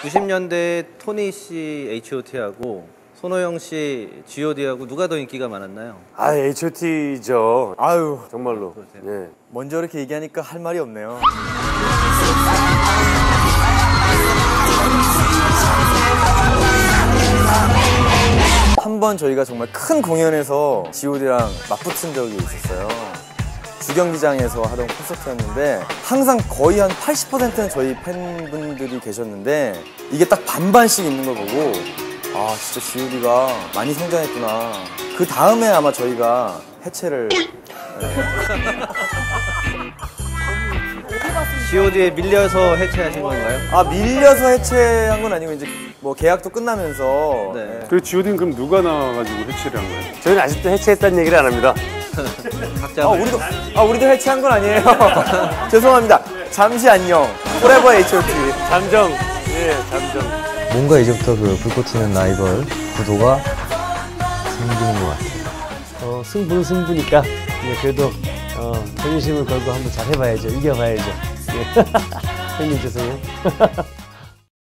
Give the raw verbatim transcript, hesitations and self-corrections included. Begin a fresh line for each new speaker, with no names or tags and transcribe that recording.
구십 년대 토니 씨 에이치 오 티하고 손호영 씨 지 오 디하고 누가 더 인기가 많았나요?
아, 에이치 오 티죠. 아유, 정말로. 예.
먼저 이렇게 얘기하니까 할 말이 없네요. 한 번 저희가 정말 큰 공연에서 지 오 디랑 맞붙은 적이 있었어요. 주경기장에서 하던 콘서트였는데 항상 거의 한 팔십 퍼센트는 저희 팬분들이 계셨는데 이게 딱 반반씩 있는 걸 보고 아 진짜 지 오 디가 많이 성장했구나. 그 다음에 아마 저희가 해체를
지 오 디에 밀려서 해체하신 건가요?
아 밀려서 해체한 건 아니고 이제 뭐 계약도 끝나면서
네.
그 지 오 디는 그럼 누가 나와가지고 해체를 한 거예요?
저희는 아직도 해체했다는 얘기를 안 합니다.
각자
아 우리도 아 우리도 해체한 건 아니에요. 죄송합니다. 잠시 안녕. 포레버 에이치 오 티.
잠정. 예, 잠정.
뭔가 이제부터 그 불꽃 튀는 라이벌 구도가 생기는 것 같아요.
어, 승부는 승부니까 예, 그래도 어, 자존심을 걸고 한번 잘 해봐야죠. 이겨봐야죠. 예. 형님 죄송해요.